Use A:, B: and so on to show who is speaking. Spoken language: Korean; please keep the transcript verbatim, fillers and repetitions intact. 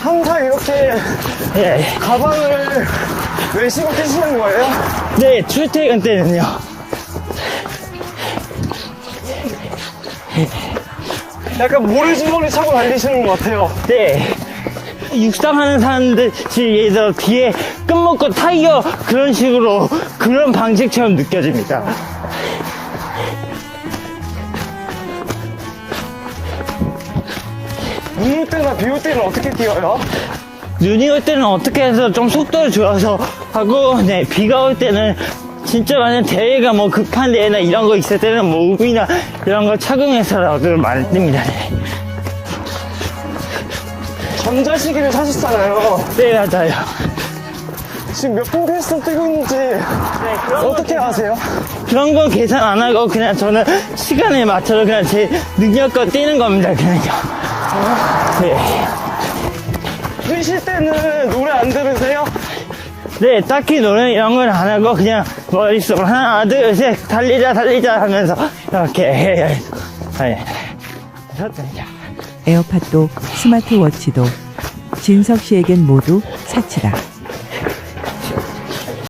A: 항상 이렇게
B: 예.
A: 가방을 외시고 뛰시는 거예요?
B: 네, 출퇴근 때는요.
A: 약간 모래주머니 차고 달리시는 것 같아요.
B: 네. 육상하는 사람들이 예서 뒤에 끝먹고 타이어 그런 식으로 그런 방식처럼 느껴집니다.
A: 눈 올 때나 비 올 때는 어떻게 뛰어요?
B: 눈이 올 때는 어떻게 해서 좀 속도를 줄여서 하고, 네, 비가 올 때는 진짜 만약 대회가 뭐 급한 대회나 이런 거 있을 때는 뭐 우비나 이런 거 착용해서라도 많이 뜹니다. 네.
A: 전자시계를 사셨잖아요.
B: 네, 맞아요.
A: 지금 몇 분 페이스로 뛰고 있는지 어떻게 아세요?
B: 그런 거 계산 안 하고 그냥 저는 시간에 맞춰서 그냥 제 능력껏 뛰는 겁니다, 그냥요. 네.
A: 뛰실 때는 노래 안 들으세요?
B: 네, 딱히 노래 이런 걸 안 하고 그냥 머릿속으로 하나, 둘, 셋, 달리자, 달리자 하면서 이렇게 해요. 네.
C: 에어팟도 스마트워치도 진석 씨에겐 모두 사치다.